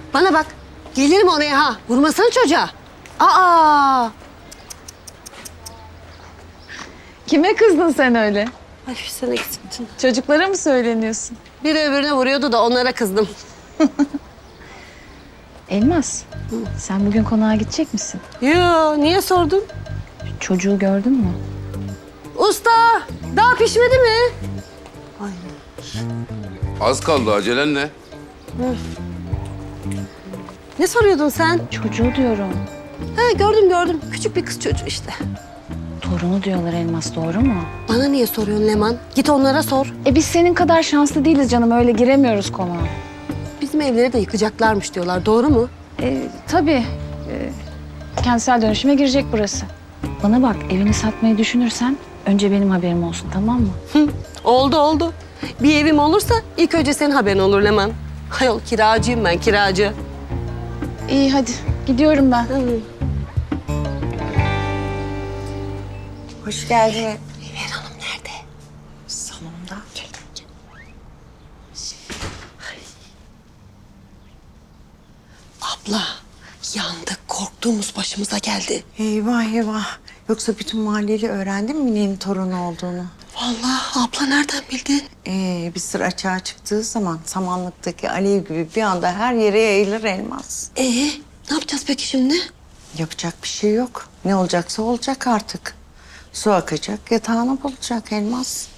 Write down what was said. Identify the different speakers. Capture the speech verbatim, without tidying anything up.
Speaker 1: Bana bak. Gelirim oraya ha. Vurmasana çocuğa. Aa!
Speaker 2: Kime kızdın sen öyle?
Speaker 1: Ay sen eksiktin.
Speaker 2: Çocuklara mı söyleniyorsun?
Speaker 1: Biri öbürüne vuruyordu da onlara kızdım.
Speaker 2: Elmas, sen bugün konağa gidecek misin?
Speaker 1: Yo, niye sordun?
Speaker 2: Çocuğu gördün mü?
Speaker 1: Usta, daha pişmedi mi? Ay.
Speaker 3: Az kaldı, acelen ne?
Speaker 1: Ne soruyordun sen?
Speaker 2: Çocuğu diyorum.
Speaker 1: Ha, gördüm gördüm. Küçük bir kız çocuğu işte.
Speaker 2: Torunu diyorlar Elmas, doğru mu?
Speaker 1: Bana niye soruyorsun Leman? Git onlara sor.
Speaker 2: E biz senin kadar şanslı değiliz canım, öyle giremiyoruz konağa.
Speaker 1: Bizim evleri de yıkacaklarmış diyorlar. Doğru mu?
Speaker 2: E, tabii. E, kentsel dönüşüme girecek burası. Bana bak, evini satmayı düşünürsen önce benim haberim olsun, tamam mı?
Speaker 1: Hı, oldu oldu. Bir evim olursa ilk önce senin haberin olur Leman. Hayol kiracıyım ben, kiracı.
Speaker 2: İyi hadi, gidiyorum ben.
Speaker 1: Hı.
Speaker 4: Hoş geldin.
Speaker 1: Meyver Hanım nerede?
Speaker 4: Salonda.
Speaker 1: Abla, yandık. Korktuğumuz başımıza geldi.
Speaker 4: Eyvah eyvah. Yoksa bütün mahalleli öğrendi mi Mine'nin torunu olduğunu?
Speaker 1: Vallahi abla nereden bildin?
Speaker 4: Ee, bir sır açığa çıktığı zaman samanlıktaki alev gibi bir anda her yere yayılır Elmas.
Speaker 1: Ee, ne yapacağız peki şimdi?
Speaker 4: Yapacak bir şey yok. Ne olacaksa olacak artık. Su akacak, yatağını bulacak Elmas.